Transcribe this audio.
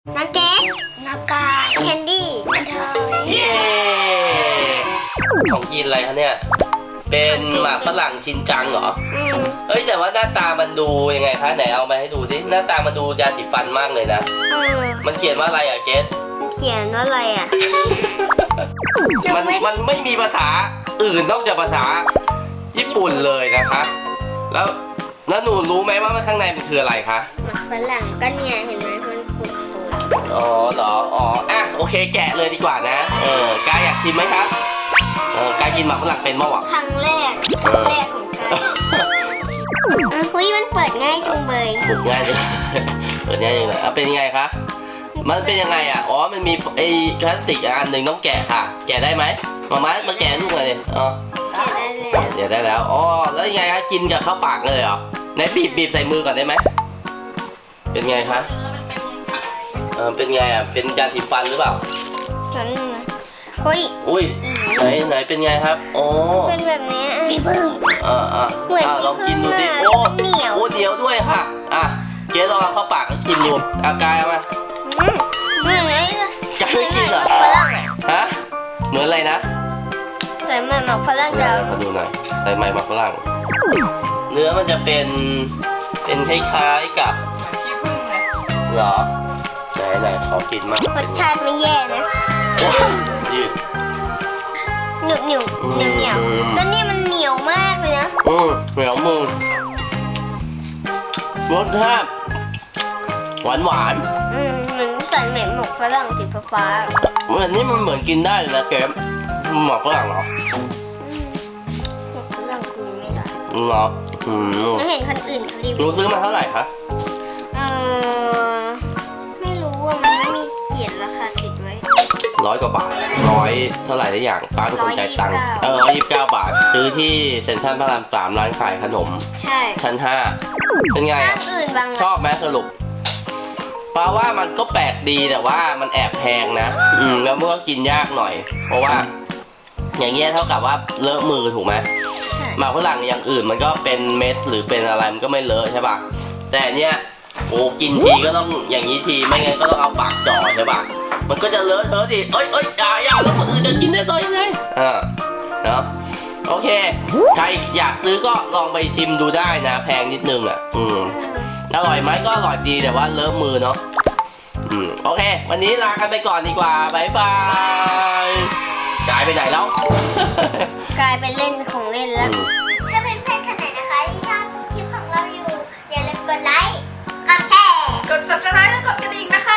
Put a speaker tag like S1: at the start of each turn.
S1: น้ำเจ๊น้ำกายแคนดี้
S2: เย้ของกินอะไรคะเนี่ยเป็นหมากฝรั่งชินจังเหรอเอ้ยแต่ว่าหน้าตามันดูยังไงคะไหนเอามาให้ดูสิหน้าตามันดูยาสีฟันมากเลยนะมันเขียนว่าอะไรอ่ะเกส
S1: มันเขียนว่าอะไรอ่ะ
S2: มันไม่มีภาษาอื่นนอกจากภาษาญี่ปุ่นเลยนะคะแล้วหนูรู้ไหมว่าข้างในมันคืออะไรคะ
S1: หมากฝรั่งก็เนี่ยเห็นไหมมันปูด
S2: อ๋อเหรออ๋ออ่ะโอเคแกะเลยดีกว่านะกายอยากชิมไหมครับกายกินหมากฝรั่งเป็นมั้งวะ
S1: ครั้งแรกของกายเฮ้ยมันเปิดง่ายจังเลย
S2: เปิดง่ายจังเปิดง่ายจังเลยเป็นยังไงคะมันเป็นยังไงอ่ะอ๋อมันมีไอ้พลาสติกอันหนึ่งต้องแกะค่ะแกะได้ไหมมาแกะลูกเลยอ๋อแกะได้แล้วอ๋อแล้วยังไงคะกินกับข้าวปากเลยเหรอไหนบีบใส่มือก่อนได้ไหมเป็นไงคะเป็นไงอ่ะเป็นยาสีฟันหรือเปล่า
S1: เฮ้ย
S2: อุ้ยไหนเป็นไงครับโอ้
S1: เป็นแบบนี้สีพึ่งเหมือน
S2: ลองกินดูสิโอ้
S1: เหนียว
S2: เหนียวด้วยค่ะเจ๊ลองเข้าปากแล้วกินดูกายเอามา
S1: เหมือนอะไร
S2: กายไม่กินเหรอ
S1: ฝรั่ง
S2: ฮะเหมือนอะไรนะ
S1: ใส่หมากฝรั่งเดี๋ยว
S2: มาดูหน่อยใส่หมากฝรั่งเนื้อมันจะเป็นคล้ายๆกับ
S3: ขี้ผึ้งเลย
S2: เหรอไหนขอกินมาก
S1: รสชาติไม่แย่นะ
S2: ยืด
S1: เหนียวแต่นี่มันเหนียวมากเลยนะ
S2: เหนียวมือรสชาติหวาน
S1: เหมือนใส่หมากฝรั่งสีฟ้า
S2: เหมือนนี่มันเหมือนกินได้เลยนะเกมหมากฝรั่งเหรอ
S1: หมากฝรั่งกินไม่ได้
S2: เหรอ
S1: เห็นคนอื่นรีวิว
S2: รู้ซื้อมาเท่าไหร่คะ
S1: ไม่รู้ว่ามันไม่มีเขียนราคาติดไว้
S2: 100 กว่าบาทเท่าไหร่ได้อย่างป้าเป็นคนจ่ายตังค์129 บาทซื้อที่เซ็นทรัลพระราม 3ร้านขายขนม
S1: ใช่
S2: ชั้น 5เป็นไงชอบไหมสรุปป้าว่ามันก็แปลกดีแต่ว่ามันแอบแพงนะแล้วมันก็กินยากหน่อยเพราะว่าอย่างเงี้ยเท่ากับว่าเลอะมือถูกไหมหมากฝรั่งอย่างอื่นมันก็เป็นเม็ดหรือเป็นอะไรมันก็ไม่เลอะใช่ป่ะแต่เนี้ยโอ้กินทีก็ต้องอย่างนี้ทีไม่งั้นก็ต้องเอาปากจ่อใช่ป่ะมันก็จะเลอะเทอะดิเอ้ยอย่าแล้วคนอื่นจะกินได้ต่อยังไงเนาะโอเคใครอยากซื้อก็ลองไปชิมดูได้นะแพงนิดนึงอร่อยไหมก็อร่อยดีแต่ว่าเลอะมือเนาะโอเควันนี้ลากันไปก่อนดีกว่าบ๊ายบายกายไปไหนแล้ว
S1: กลายเป็นเล่นของเล่นแล้วถ้าเป็นเพื่อนคนไหนนะคะที่ชอบคลิปของเราอยู่อย่าลืมกดไลค์กดแชร์
S3: กด subscribe และกดกระดิ่งนะคะ